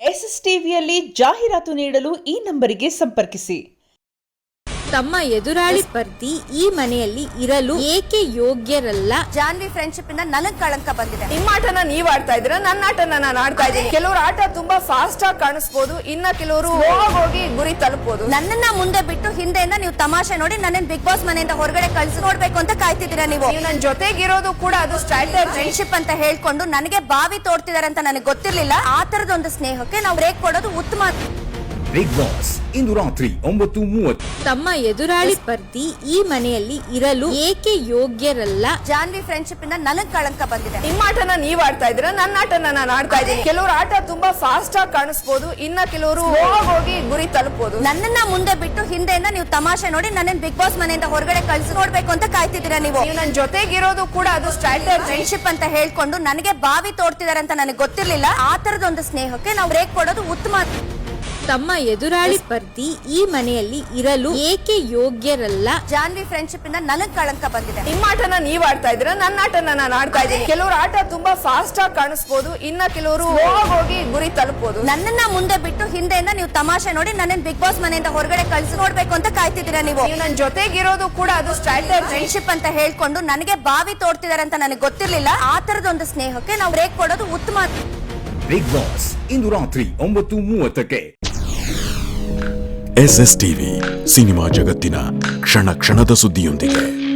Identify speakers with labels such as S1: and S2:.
S1: S S ಟಿವಿಯಲ್ಲಿ ಜಾಹೀರಾತು ನೀಡಲು ಈ ನಂಬರಿಗೆ ಸಂಪರ್ಕಿಸಿ.
S2: ತಮ್ಮ ಎದುರಾಳಿ ಸ್ಪರ್ಧಿ ಈ ಮನೆಯಲ್ಲಿ ಇರಲು ಏಕೆ ಯೋಗ್ಯರಲ್ಲ?
S3: ಜಾನ್ವಿ ಫ್ರೆಂಡ್ಶಿಪ್ ಇಂದ ನನಗ್ ಕಳಂಕ ಬಂದಿದೆ.
S4: ನಿಮ್ಮ ಆಟನ ನೀವ್ ಆಡ್ತಾ ಇದ್ರೆ ನನ್ನ ಆಟನ ನಾನು ಆಡ್ತಾ ಇದ್ದೀನಿ. ಕೆಲವರು ಆಟ ತುಂಬಾ ಫಾಸ್ಟ್ ಆಗಿ ಕಾಣಿಸ್ಬೋದು, ಇನ್ನ ಕೆಲವರು ಹೋಗಿ ಗುರಿ ತಲುಪಬಹುದು.
S3: ನನ್ನನ್ನ ಮುಂದೆ ಬಿಟ್ಟು ಹಿಂದೆಯಿಂದ ನೀವು ತಮಾಷೆ ನೋಡಿ ನನ್ನ ಬಿಗ್ ಬಾಸ್ ಮನೆಯಿಂದ ಹೊರಗಡೆ ಕಳ್ಸಿ ನೋಡ್ಬೇಕು ಅಂತ ಕಾಯ್ತಿದ್ದೀರಾ ನೀವು.
S4: ನನ್ನ ಜೊತೆಗಿರೋದು ಕೂಡ ಅದು ಸ್ಟ್ರಾಟಜಿ
S3: ಫ್ರೆಂಡ್ಶಿಪ್ ಅಂತ ಹೇಳ್ಕೊಂಡು ನನಗೆ ಬಾವಿ ತೋಡ್ತಿದಾರೆ ಅಂತ ನನಗೆ ಗೊತ್ತಿರ್ಲಿಲ್ಲ. ಆ ತರದೊಂದು ಸ್ನೇಹಕ್ಕೆ ನಾವು ಬ್ರೇಕ್ ಕೊಡೋದು ಉತ್ತಮ.
S5: ಬಿಗ್ ಬಾಸ್ ಇಂದು ರಾತ್ರಿ 9:30.
S2: ತಮ್ಮ ಎದುರಾಳಿ ಸ್ಪರ್ಧಿ ಈ ಮನೆಯಲ್ಲಿ ಇರಲು ಏಕೆ ಯೋಗ್ಯರಲ್ಲ?
S3: ಜಾನ್ವಿ ಫ್ರೆಂಡ್ಶಿಪ್ ಇಂದ ನನಗ್ ಕಳಂಕ ಬಂದಿದೆ.
S4: ನಿಮ್ಮ ಆಟನ ನೀವ್ ಆಡ್ತಾ ಇದ್ರೆ ನನ್ನ ಆಟನ ನಾನು ಆಡ್ತಾ ಇದ್ದೀನಿ. ಕೆಲವರು ಆಟ ತುಂಬಾ ಫಾಸ್ಟ್ ಆಗಿ ಕಾಣಿಸ್ಬೋದು, ಇನ್ನ ಕೆಲವರು ಹೋಗಿ ಗುರಿ ತಲುಪಬಹುದು.
S3: ನನ್ನನ್ನ ಮುಂದೆ ಬಿಟ್ಟು ಹಿಂದೆಯಿಂದ ನೀವು ತಮಾಷೆ ನೋಡಿ ನನ್ನ ಬಿಗ್ ಬಾಸ್ ಮನೆಯಿಂದ ಹೊರಗಡೆ ಕಳ್ಸಿ ನೋಡ್ಬೇಕು ಅಂತ ಕಾಯ್ತಿದ್ದೀರಾ ನೀವು.
S4: ನನ್ನ ಜೊತೆಗಿರೋದು ಕೂಡ ಅದು ಸ್ಟ್ರಾಟಜಿ
S3: ಫ್ರೆಂಡ್ಶಿಪ್ ಅಂತ ಹೇಳ್ಕೊಂಡು ನನಗೆ ಬಾವಿ ತೋಡ್ತಿದಾರೆ ಅಂತ ನನಗೆ ಗೊತ್ತಿರ್ಲಿಲ್ಲ. ಆ ತರದೊಂದು ಸ್ನೇಹಕ್ಕೆ ನಾವು ಬ್ರೇಕ್ ಕೊಡೋದು ಉತ್ತಮ.
S2: ತಮ್ಮ ಎದುರಾಳಿ ಸ್ಪರ್ಧಿ ಈ ಮನೆಯಲ್ಲಿ ಇರಲು ಏಕೆ ಯೋಗ್ಯರಲ್ಲ?
S3: ಜಾನ್ವಿ ಫ್ರೆಂಡ್ಶಿಪ್ ಇಂದ ನನಗ್ ಕಳಂಕ ಬಂದಿದೆ.
S4: ನಿಮ್ಮ ಆಟನ ನೀವ್ ಆಡ್ತಾ ಇದ್ರೆ ನನ್ನ ಆಟನ ನಾನು ಆಡ್ತಾ ಇದ್ದೀನಿ. ಕೆಲವರು ಆಟ ತುಂಬಾ ಫಾಸ್ಟ್ ಆಗಿ ಕಾಣಿಸ್ಬೋದು, ಇನ್ನ ಕೆಲವರು ಹೋಗಿ ಗುರಿ ತಲುಪಬಹುದು.
S3: ನನ್ನನ್ನ ಮುಂದೆ ಬಿಟ್ಟು ಹಿಂದೆಯಿಂದ ನೀವು ತಮಾಷೆ ನೋಡಿ ನನ್ನ ಬಿಗ್ ಬಾಸ್ ಮನೆಯಿಂದ ಹೊರಗಡೆ ಕಳ್ಸಿ ನೋಡ್ಬೇಕು ಅಂತ ಕಾಯ್ತಿದ್ದೀರಾ ನೀವು.
S4: ನನ್ನ ಜೊತೆಗಿರೋದು ಕೂಡ ಅದು ಸ್ಟ್ರಾಟಜಿ
S3: ಫ್ರೆಂಡ್ಶಿಪ್ ಅಂತ ಹೇಳ್ಕೊಂಡು ನನಗೆ ಬಾವಿ ತೋಡ್ತಿದಾರೆ ಅಂತ ನನಗೆ ಗೊತ್ತಿರ್ಲಿಲ್ಲ. ಆ ತರದೊಂದು ಸ್ನೇಹಕ್ಕೆ ನಾವು ಬ್ರೇಕ್ ಕೊಡೋದು ಉತ್ತಮ.
S5: ಬಿಗ್ ಬಾಸ್ ಇಂದು ರಾತ್ರಿ 9:30.
S6: ಎಸ್ಎಸ್ ಟಿವಿ ಸಿನಿಮಾ ಜಗತ್ತಿನ ಕ್ಷಣ ಕ್ಷಣದ ಸುದ್ದಿಯೊಂದಿಗೆ.